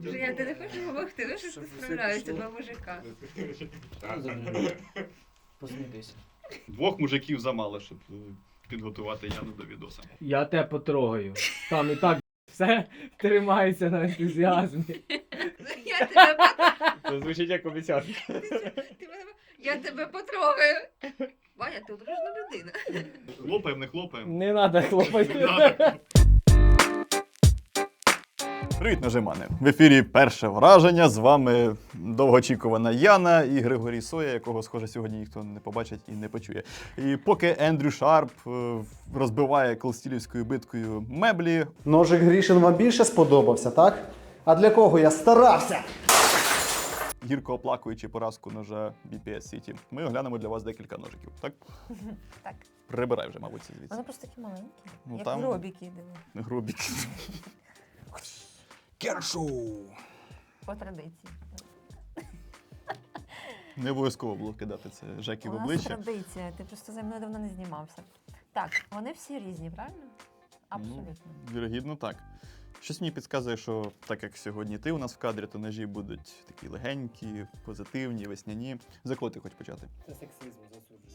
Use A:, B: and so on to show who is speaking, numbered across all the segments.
A: Женя, ти не хочеш допомогти? Ну що ж ти справляєшся, два мужика.
B: Посмійтеся.
C: Двох мужиків замало, щоб підготувати Яну до відоса.
B: Я тебе потрогаю. Там і так все тримається на ентузіазмі.
A: Я тебе
B: Це звучить як обіцянка.
A: Я тебе потрогаю. Ваня, ти одружна людина.
C: Хлопаємо, не хлопаємо.
B: Не треба хлопати.
C: Надо. Привіт, нажимани! В ефірі перше враження. З вами довгоочікувана Яна і Григорій Соя, якого, схоже, сьогодні ніхто не побачить і не почує. І поки Ендрю Шарп розбиває Колстілівською биткою меблі,
D: Ножик Грішин вам більше сподобався, так? А для кого я старався?
C: гірко оплакуючи поразку ножа BPS City, ми оглянемо для вас декілька ножиків. Так?
A: Так.
C: Прибирай вже, мабуть, звідси.
A: Вони просто такі маленькі,
C: Ну,
A: як
C: там-
A: гробіки, диви.
C: Грубі. Кершу!
A: По традиції.
C: Не обов'язково було кидати це Жекі в
A: У нас
C: обличчя.
A: традиція, ти просто за мною давно не знімався. Так, вони всі різні, правильно? Абсолютно.
C: Ну, вірогідно, так. Щось мені підказує, що так як сьогодні ти у нас в кадрі, то ножі будуть такі легенькі, позитивні, весняні. За кого ти хочеш почати?
B: Це сексизм засуджую.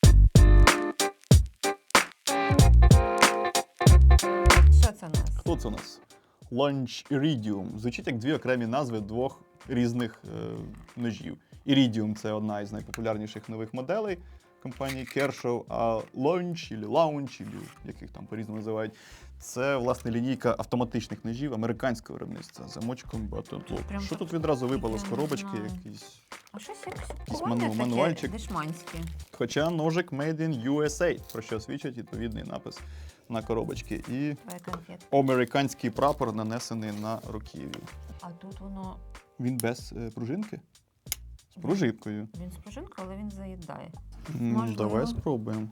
A: Що це у нас?
C: Хто це у нас? Launch Iridium. Звучить як дві окремі назви двох різних ножів. Iridium – це одна із найпопулярніших нових моделей компанії Kershaw, а Launch, яких там по-різному називають, це, власне, лінійка автоматичних ножів американського виробництва з замочком Button
A: Прям
C: Lock. Що
A: так-
C: тут відразу випало з
A: я не
C: коробочки?
A: знаю.
C: Якийсь...
A: А щось якось
C: Якийсь
A: колоне
C: мануальчик.
A: таке дешманське.
C: Хоча ножик Made in USA, про що свідчить відповідний напис на коробочці. І
A: Твоя конфетка.
C: американський прапор нанесений на руків'ю.
A: А тут воно,
C: Він без пружинки? З пружинкою.
A: він з пружинкою, але він заїдає.
C: Ну,
A: Можливо.
C: давай спробуємо.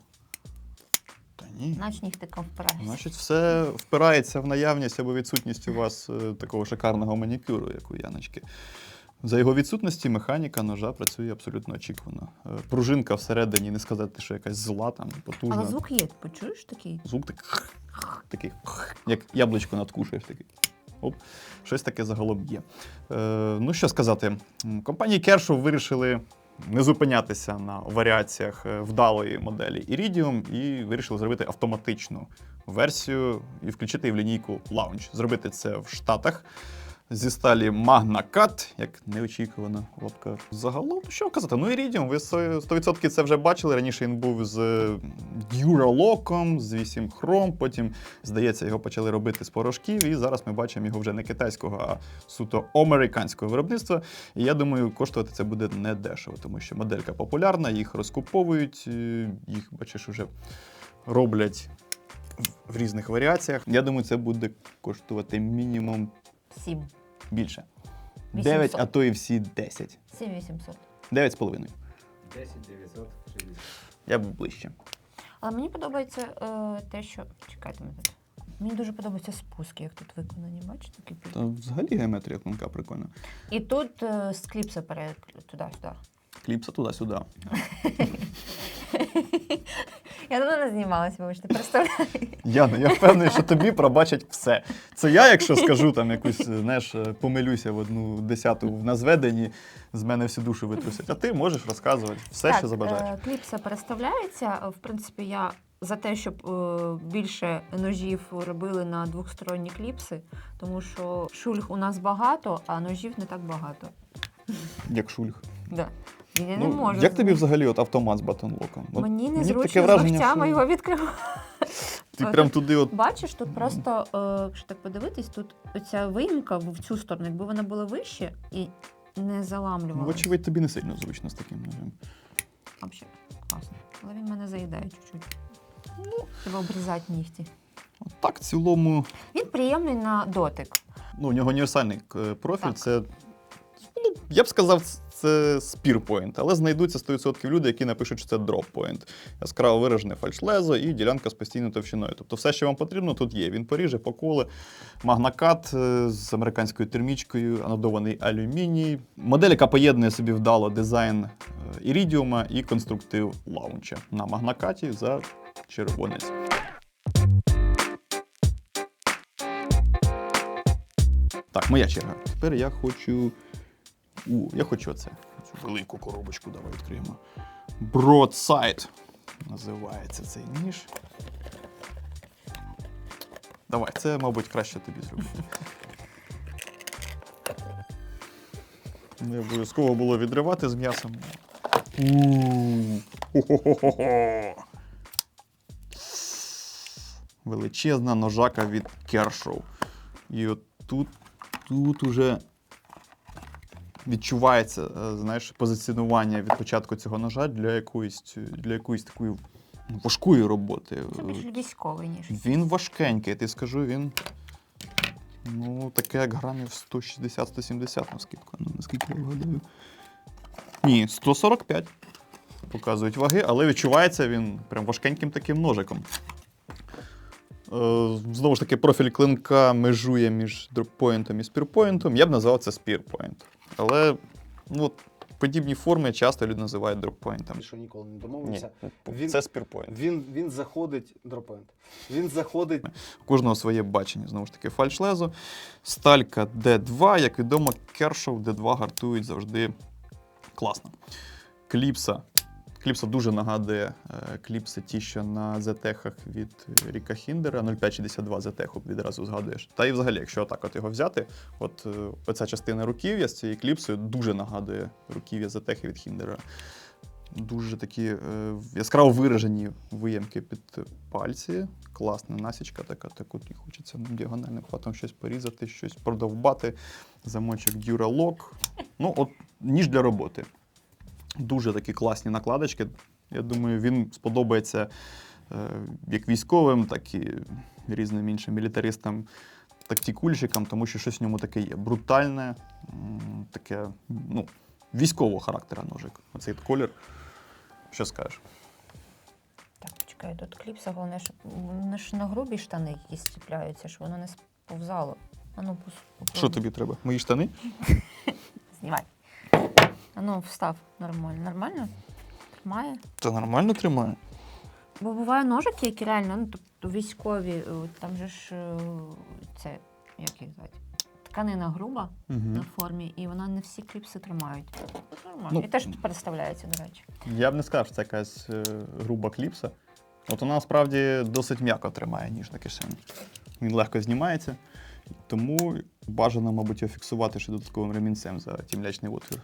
C: Та ні.
A: Наче нігтиком впирається.
C: Значить, все впирається в наявність або відсутність у вас такого шикарного манікюру, як у Яночки. За його відсутності механіка ножа працює абсолютно очікувано. Пружинка всередині, не сказати, що якась зла, там, потужна.
A: Але звук є, почуєш такий?
C: Звук такий, як яблучко надкушуєш такий. Оп, щось таке загалом є. Ну, що сказати, компанії Kershaw вирішили не зупинятися на варіаціях вдалої моделі Iridium і вирішили зробити автоматичну версію і включити її в лінійку Launch. Зробити це в Штатах зі сталі Magna Cut, як неочікувано лапка. Загалом, що казати, ну Iridium, ви 100% це вже бачили. Раніше він був з Duralock, з 8 Chrome, потім, здається, його почали робити з порошків, і зараз ми бачимо його вже не китайського, а суто американського виробництва. І я думаю, коштувати це буде не дешево, тому що моделька популярна, їх розкуповують, їх, бачиш, вже роблять в різних варіаціях. Я думаю, це буде коштувати мінімум
A: 7.
C: більше.
A: 800.
C: 9, а то і всі 10.
A: 7800.
C: 9,5.
B: 10-960.
C: Я був ближче.
A: Але мені подобається те, що... Чекайте мене тут. Мені дуже подобаються спуски, як тут виконані, бачите? Такі
C: Та взагалі геометрія тонка прикольна.
A: І тут з кліпса перед туди-сюди.
C: Кліпса туди-сюди.
A: Я давно не знімалася, вибачте, представляю.
C: Яна, я впевнений, що тобі пробачать все. Це я, якщо скажу там якусь, знаєш, помилюся в 1/10 на зведенні, з мене всю душу витрусять. А ти можеш розказувати все, що забажаєш.
A: Кліпса переставляється. В принципі, я за те, щоб більше ножів робили на двохсторонні кліпси, тому що шульг у нас багато, а ножів не так багато.
C: Як шульг.
A: Да. Я не
C: Ну,
A: можу.
C: як тобі взагалі от автомат з батонлоком? От
A: Мені
C: таке
A: незручно з
C: враження,
A: ногтями
C: що
A: його відкривати.
C: Ти прям туди от...
A: Бачиш, тут просто, якщо так подивитись, тут оця виїмка в цю сторону, якби вона була вище і не заламлювалася.
C: Вочевидь, тобі не сильно зручно з таким ножем.
A: Взагалі, класно. Але він мене заїдає чуть-чуть. Треба обрізати нігті.
C: От так, в цілому,
A: Він приємний на дотик.
C: ну, у нього універсальний профіль,
A: Так.
C: це, ну, я б сказав, це spear point, але знайдуться 100% люди, які напишуть, що це drop point. Яскраво виражене фальшлезо і ділянка з постійною товщиною. Тобто все, що вам потрібно, тут є. Він поріже, поколе, магнакат з американською термічкою, анодований алюміній. Модель, яка поєднує собі вдало дизайн Iridium і конструктив лаунча на магнакаті за червонець. Так, моя черга. Тепер я хочу. Я хочу оце. Цю велику коробочку давай відкриємо. Broadside називається цей ніж. Давай, це, мабуть, краще тобі зробити. Не обов'язково було відривати з м'ясом. Хо-хо-хо-хо. Величезна ножака від Kershaw. І от тут уже відчувається, знаєш, позиціонування від початку цього ножа для якоїсь такої важкої роботи.
A: Це більш військовий ніж.
C: Він важкенький, я тобі скажу, він таке як грамів 160-170 на скидку. Ну, наскільки я вгадаю. Ні, 145 показують ваги, але відчувається він прям важкеньким таким ножиком. Знову ж таки, профіль клинка межує між дроппойнтом і спірпойнтом. Я б назвав це спірпойнт. Але подібні форми часто люди називають дроппойнтом.
D: Що ніколи не домовився.
C: Це спірпойнт.
D: Він заходить, дроппойнт. Він заходить.
C: У кожного своє бачення, знову ж таки, фальшлезо. Сталька D2, як відомо, Kershaw D2 гартують завжди класно. Кліпса. Кліпса дуже нагадує кліпси ті, що на ZTech від Ріка Хіндера, 0562 ZTech відразу згадуєш. Та і взагалі, якщо отак його взяти, оця частина руків'я з цією кліпсою дуже нагадує руків'я ZTech від Хіндера. Дуже такі яскраво виражені виямки під пальці. Класна насічка така, таку хочеться діагональним хватом щось порізати, щось продовбати. Замочок Duralock. Ніж для роботи. Дуже такі класні накладочки. Я думаю, він сподобається як військовим, так і різним іншим мілітаристам, тактикульщикам, тому що щось в ньому таке є. Брутальне, таке, військового характера ножик. Оцей колір. Що скажеш?
A: Так, почекай, тут кліпса, головне, щоб вони ж на грубі штани якісь ціпляються, щоб воно не сповзало.
C: Що тобі треба? Мої штани?
A: Знімай. Встав нормально. Нормально? Тримає?
C: Та нормально тримає.
A: Бо буває ножики, які реально, тобто військові, там же ж це, як їх звати, тканина груба на формі, і вона не всі кліпси тримають. Нормально. І теж переставляється, до речі.
C: Я б не сказав, що це якась груба кліпса. Вона насправді досить м'яко тримає ніж на кишені. Він легко знімається, тому бажано, мабуть, його фіксувати ще додатковим ремінцем за тімлячний отвір.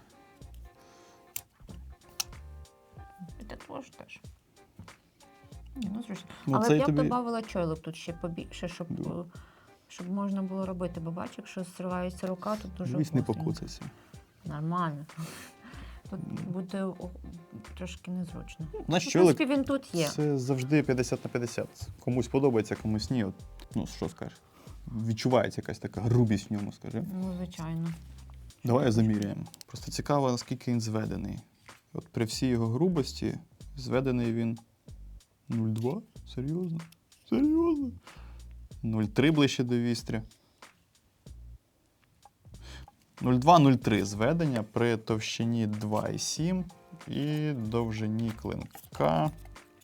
A: І це теж. Зручно.
C: Ну,
A: але
C: це
A: я б
C: тобі...
A: додавала чойлок тут ще побільше, щоб можна було робити. Бо бачиш, якщо зривається рука, тут дуже
C: Вись не
A: гостренько.
C: покуцайся.
A: Нормально. Тут буде трошки незручно.
C: На
A: В принципі, він тут є.
C: Це завжди 50 на 50. Комусь подобається, комусь ні. Що скажеш? Відчувається якась така грубість в ньому, скажи.
A: Звичайно.
C: Давай заміряємо. Просто цікаво, наскільки він зведений. При всій його грубості зведений він 0,2? Серйозно? Серйозно? 0,3 ближче до вістря. 0,2-0,3 зведення при товщині 2,7 і довжині клинка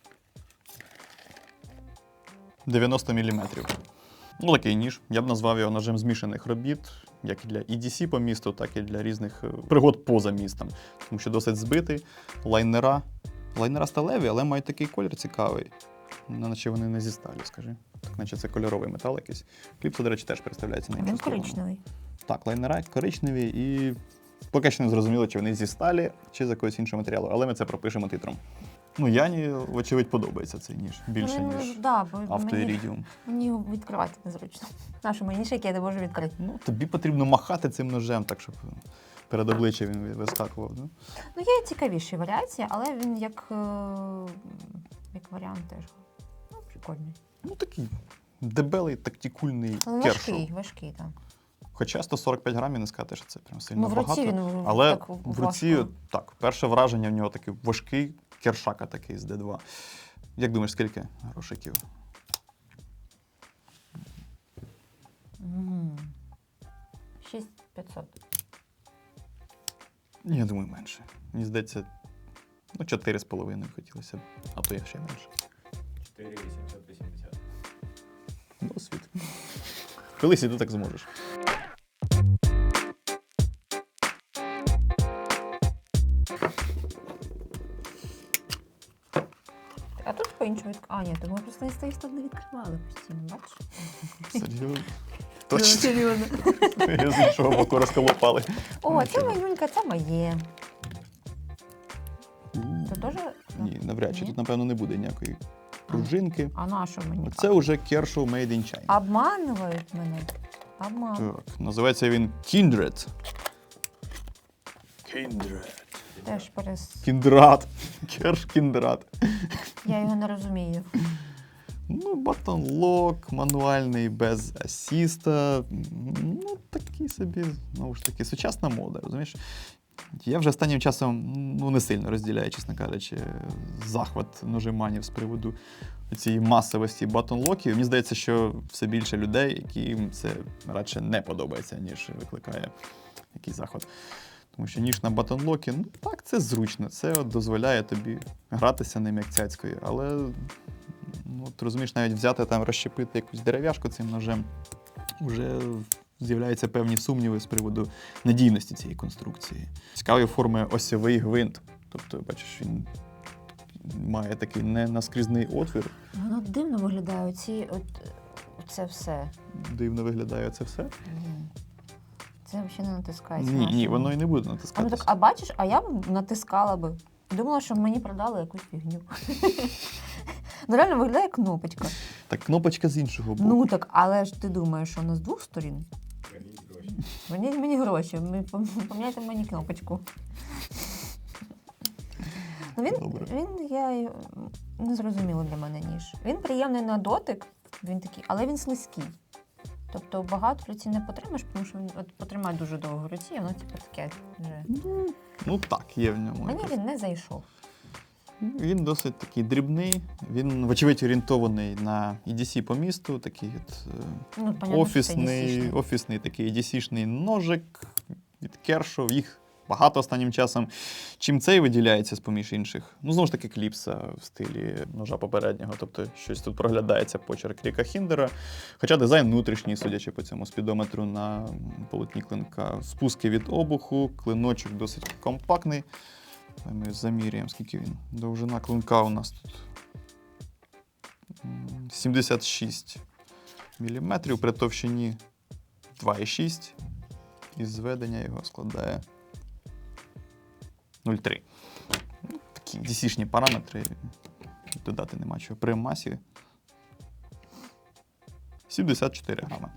C: 90 мм. Такий ніж. Я б назвав його ножем змішаних робіт, як і для EDC по місту, так і для різних пригод поза містом. Тому що досить збитий. Лайнера сталеві, але мають такий колір цікавий. Наче вони не зі сталі, скажи. Так, наче це кольоровий метал якийсь. Кліпса, до речі, теж представляється на іншу
A: Він
C: сторону.
A: коричневий.
C: Так, лайнера коричневі і поки що не зрозуміло, чи вони зі сталі, чи з якогось іншого матеріалу. Але ми це пропишемо титром. Яні, вочевидь, подобається цей ніж. Більше, ніж автоірідіум.
A: Мені відкривати незручно. Нашу мені ніж, який я не можу відкрити.
C: Тобі потрібно махати цим ножем, так, щоб перед обличчям він вискакував.
A: Є цікавіші варіації, але він як варіант теж прикольний.
C: Такий дебелий, тактикульний Kershaw.
A: Важкий, так.
C: Хоча 145 грамів не сказати, що це прям сильно
A: в руці
C: багато.
A: він
C: але
A: так
C: в руці, так, перше враження в нього такий важкий кершака такий з D2. Як думаєш, скільки грошиків?
A: 6500.
C: Я думаю, менше. Мені здається, 4,5 хотілося б, а то я ще менше.
B: 4,880.
C: Досвід. Колись і ти так зможеш.
A: по-іншому відкривали. А, ні, то ми просто не стоїш тут не відкривали постійно, бачиш?
C: Серйозно?
A: Ну,
C: Точно.
A: серйозно.
C: Я з іншого боку розколопали.
A: О, це
C: Нічого.
A: манюнька, це моє. Це теж?
C: Ні, навряд чи.
A: Ні?
C: Тут, напевно, не буде ніякої пружинки.
A: А на що мені?
C: Це вже Kershaw Made in China.
A: Обманюють мене. Обманюють.
C: Так, називається він Kindred.
A: Теж
C: Кіндрат. Керш Кіндрат.
A: Я його не розумію.
C: Ну, батон лок, мануальний, без асіста. Ну, такий собі, знову ж таки, сучасна мода, розумієш? Я вже останнім часом не сильно розділяю, чесно кажучи, захват ножиманів з приводу цієї масовості батон-локів. Мені здається, що все більше людей, яким це радше не подобається, ніж викликає якийсь захват. Тому що ніж на батон-локі, ну так, це зручно, це от дозволяє тобі гратися ним як цяцькою, але ти розумієш, навіть взяти там, розщепити якусь дерев'яшку цим ножем, вже з'являються певні сумніви з приводу надійності цієї конструкції. Цікавої форми осьовий гвинт. Тобто, бачиш, він має такий ненаскрізний отвір.
A: Воно дивно виглядає, це все.
C: Дивно виглядає це все.
A: Це взагалі не натискається.
C: Ні, воно і не буде
A: А, ну
C: натискатися.
A: так, а бачиш, а я б натискала би. Думала, що мені продали якусь фігню. Ну реально виглядає як кнопочка.
C: Так, кнопочка з іншого боку.
A: Ну так, але ж ти думаєш, що вона з двох сторін? Верніть мені гроші, поміняйте мені кнопочку. Ну,
C: Добре.
A: я не зрозуміла для мене ніж. Він приємний на дотик, він такий, але він слизький. Тобто багато в руці не потримаєш, тому що він потримає дуже довго в руці, і воно типу таке вже.
C: Ну так, є в ньому.
A: Мені він не зайшов.
C: Він досить такий дрібний, він, вочевидь, орієнтований на EDC по місту, такий
A: Ну, понятно, що це EDC-шний.
C: офісний такий EDC-шний ножик від Kershaw. Їх багато останнім часом. Чим цей виділяється з-поміж інших? Ну, знову ж таки, кліпса в стилі ножа попереднього, тобто щось тут проглядається почерк Ріка Хіндера. Хоча дизайн внутрішній, судячи по цьому спідометру на полотні клинка. Спуски від обуху, клиночок досить компактний. Ми заміряємо, скільки він. Довжина клинка у нас тут 76 мм, при товщині 2,6 і зведення його складає 0,3. Ну, такі DC-шні параметри, додати нема чого. При масі 74 грами.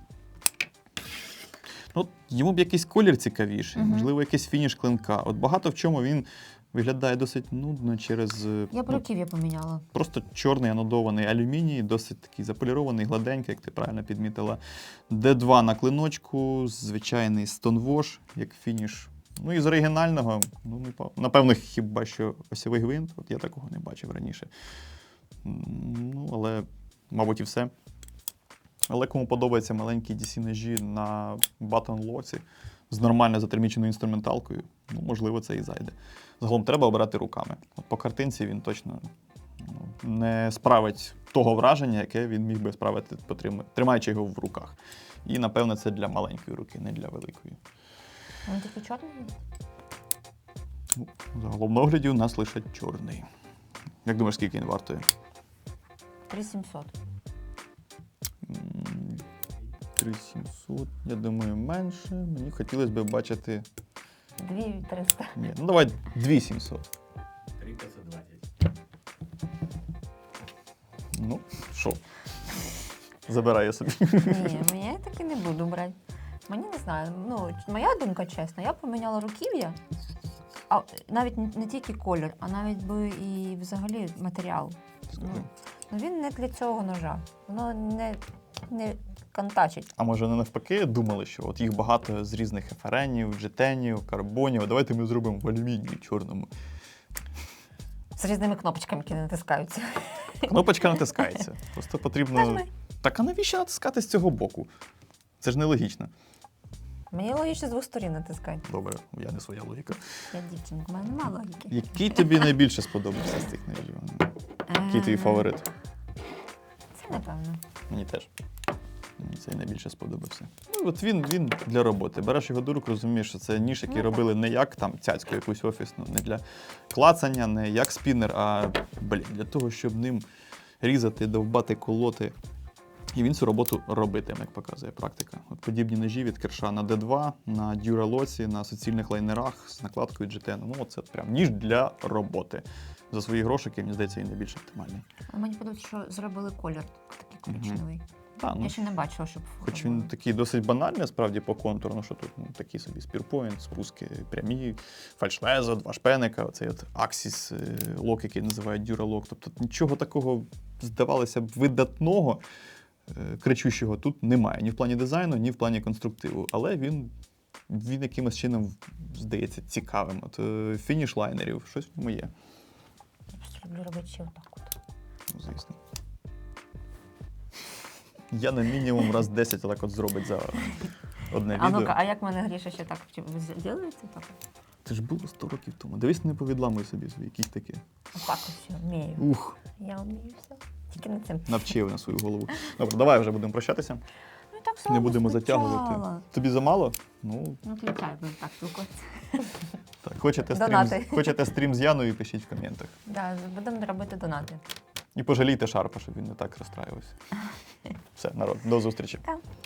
C: Ну, йому б якийсь колір цікавіший, можливо, якийсь фініш клинка. От багато в чому він виглядає досить нудно через
A: Я б руків'я поміняла.
C: просто чорний анодований алюміній, досить такий заполірований, гладенький, як ти правильно підмітила. D2 на клиночку, звичайний Stonewash, як фініш. Ну і з оригінального, напевно, хіба що осьовий гвинт, от я такого не бачив раніше. Ну, але, мабуть, і все. Але кому подобаються маленькі DC-ножі на батон-лоці з нормально затерміченою інструменталкою, ну, можливо, це і зайде. Загалом треба обирати руками. От по картинці він точно не справить того враження, яке він міг би справити, тримаючи його в руках. І, напевно, це для маленької руки, не для великої.
A: Він такий чорний?
C: Ну, загалом на огляді у нас лише чорний. Як думаєш, скільки він вартує?
A: 3700.
C: 3700, я думаю, менше. Мені хотілося б бачити...
A: 2300.
C: Ні, ну давай 2700.
B: 3520.
C: Ну, що? Забираю я собі.
A: Ні, я таки не буду брати. Мені не знаю. Ну, моя думка чесна, я б поміняла руків'я, а навіть не тільки колір, а навіть би і взагалі матеріал. Ну, він не для цього ножа. Воно не контачить.
C: А може, не навпаки, думали, що от їх багато з різних еференів, джетенів, карбонів. Давайте ми зробимо в алюмінії чорному.
A: З різними кнопочками, які не натискаються.
C: Кнопочка натискається. Просто потрібно.
A: Нажми.
C: Так а навіщо натискати з цього боку? Це ж нелогічно.
A: Мені логічно з двох сторін натискати.
C: Добре, я не своя логіка.
A: Я дівчинка, в мене немає логіки.
C: Який тобі найбільше сподобався з цих ножів? Який твій фаворит?
A: Це напевно.
C: Мені теж. Мені цей найбільше сподобався. Ну, от він для роботи. Береш його до рук, розумієш, що це ніж, який робили не як там цяцьку якусь офісну, не для клацання, не як спінер, а для того, щоб ним різати, довбати, колоти. І він цю роботу робитиме, як показує практика. От подібні ножі від Керша на D2, на Дюралоці, на суцільних лайнерах з накладкою GTN. Ну, це прям ніж для роботи. За свої грошики, мені здається, він найбільш оптимальний.
A: А мені подобається, що зробили колір такий коричневий.
C: Та, ну,
A: Я ще не бачила, щоб.
C: хоч він такий досить банальний, справді, по контуру, ну що тут такі собі спірпоінт, спуски прямі, фальшлезо, два шпеника, оцей от Axis лок, який називають Дюралок. Тобто нічого такого, здавалося б, видатного, кричущого тут немає. Ні в плані дизайну, ні в плані конструктиву. Але він якимось чином здається цікавим. От фініш лайнерів, щось в ньому є.
A: Я просто люблю робити ще отак от.
C: Ну, звісно. Я на мінімум раз 10 так от зробить за одне
A: А
C: відео.
A: ну-ка, а як мене Гріша ще так? Чи ви зробите так?
C: Це ж було 100 років тому. Дивись, не повідламуй собі свої кістики.
A: Отак ось все, вмію.
C: Ух,
A: Я вмію все. Тільки не цим.
C: навчив на свою голову. Добре, давай вже будемо прощатися.
A: Ну і так
C: Не
A: само
C: будемо
A: спочатку.
C: затягувати. Тобі замало? Ну,
A: Ну, включай, будемо так спілкуватися.
C: так. Хочете
A: Донати.
C: хочете стрім з Яною, пишіть в коментах.
A: Да, будемо робити донати.
C: І пожалійте Шарпа, щоб він не так розстраювався. Все, народ, до зустрічі.
A: Так.